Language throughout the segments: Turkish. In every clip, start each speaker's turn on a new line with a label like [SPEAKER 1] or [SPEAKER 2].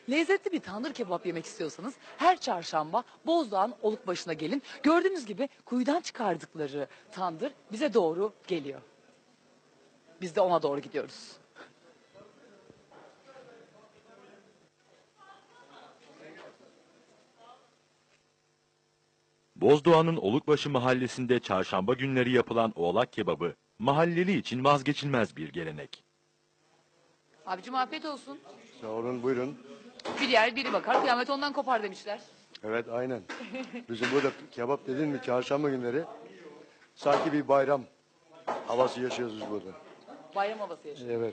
[SPEAKER 1] Lezzetli bir tandır kebap yemek istiyorsanız her çarşamba Bozdoğan Olukbaşı'na gelin. Gördüğünüz gibi kuyudan çıkardıkları tandır bize doğru geliyor. Biz de ona doğru gidiyoruz.
[SPEAKER 2] Bozdoğan'ın Olukbaşı mahallesinde çarşamba günleri yapılan oğlak kebabı, mahalleli için vazgeçilmez bir gelenek.
[SPEAKER 1] Abicim afiyet olsun.
[SPEAKER 3] Sağ olun, buyurun.
[SPEAKER 1] Bir yer biri bakar kıyamet ondan kopar demişler.
[SPEAKER 3] Evet, aynen. Bizim burada kebap dedin mi çarşamba günleri sanki bir bayram havası yaşıyoruz biz burada.
[SPEAKER 1] Bayram havası yaşıyor.
[SPEAKER 3] Evet.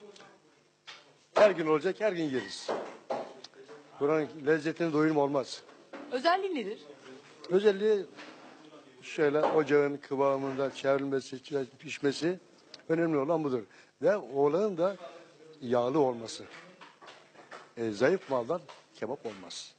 [SPEAKER 3] Her gün olacak, her gün yeriz. Buranın lezzetini doyum olmaz.
[SPEAKER 1] Özelliği nedir?
[SPEAKER 3] Özelliği şöyle ocağın kıvamında çevrilmesi, pişmesi önemli olan budur. Ve oğlanın da yağlı olması. Zayıf maldan kebap olmaz.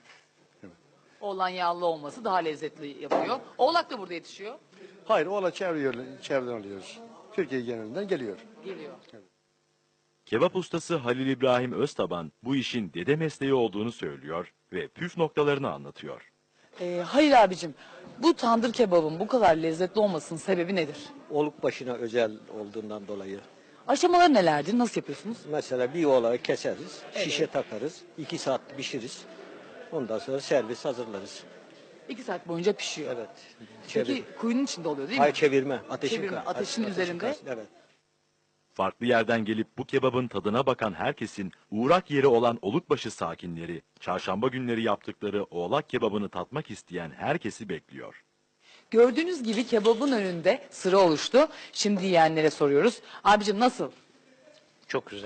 [SPEAKER 1] Oğlan yağlı olması daha lezzetli yapıyor. Oğlak da burada yetişiyor.
[SPEAKER 3] Hayır, oğlan çevreden alıyoruz. Türkiye genelinden geliyor.
[SPEAKER 1] Geliyor.
[SPEAKER 2] Kebap ustası Halil İbrahim Öztaban bu işin dede mesleği olduğunu söylüyor ve püf noktalarını anlatıyor.
[SPEAKER 1] Hayır abicim, bu tandır kebabın bu kadar lezzetli olmasının sebebi nedir?
[SPEAKER 4] Olukbaşı'na özel olduğundan dolayı.
[SPEAKER 1] Aşamaları nelerdir? Nasıl yapıyorsunuz?
[SPEAKER 4] Mesela bir oğlağı keseriz, şişe takarız, 2 saat pişiririz. Ondan sonra servis hazırlarız.
[SPEAKER 1] 2 saat boyunca pişiyor.
[SPEAKER 4] Evet.
[SPEAKER 1] Peki kuyunun içinde oluyor değil mi?
[SPEAKER 4] Hayır, çevirme.
[SPEAKER 1] Çevirme, ateşin üzerinde.
[SPEAKER 4] karşısında, evet.
[SPEAKER 2] Farklı yerden gelip bu kebabın tadına bakan herkesin uğrak yeri olan Olukbaşı sakinleri, çarşamba günleri yaptıkları oğlak kebabını tatmak isteyen herkesi bekliyor.
[SPEAKER 1] Gördüğünüz gibi kebabın önünde sıra oluştu. Şimdi yiyenlere soruyoruz. Abicim nasıl?
[SPEAKER 5] Çok güzel.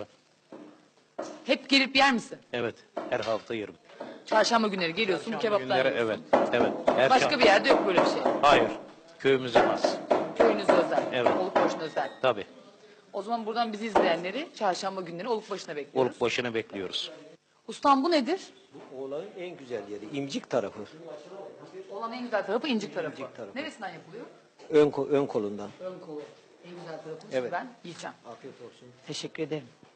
[SPEAKER 1] Hep gelip yer misin?
[SPEAKER 5] Evet. Her hafta yerim.
[SPEAKER 1] Çarşamba günleri geliyorsun bu kebaptan
[SPEAKER 5] Günleri
[SPEAKER 1] yiyorsun.
[SPEAKER 5] evet. Evet. Her
[SPEAKER 1] Başka bir yerde yok böyle bir şey.
[SPEAKER 5] Hayır. Köyümüze has.
[SPEAKER 1] Köyünüze özel.
[SPEAKER 5] Evet.
[SPEAKER 1] Olukbaşı'na özel.
[SPEAKER 5] Tabii.
[SPEAKER 1] O zaman buradan bizi izleyenleri çarşamba günleri Olukbaşı'na bekliyoruz.
[SPEAKER 5] Olup başını bekliyoruz.
[SPEAKER 1] Ustam bu nedir?
[SPEAKER 4] Bu oğlağın en güzel yeri, imcik tarafı.
[SPEAKER 1] Olan en güzel tarafı incik tarafı.
[SPEAKER 4] İncik tarafı.
[SPEAKER 1] Neresinden yapılıyor?
[SPEAKER 4] Ön kolundan.
[SPEAKER 1] Ön kolu. En güzel tarafı.
[SPEAKER 4] Evet.
[SPEAKER 1] Ben yiyeceğim.
[SPEAKER 4] Afiyet olsun.
[SPEAKER 1] Teşekkür ederim.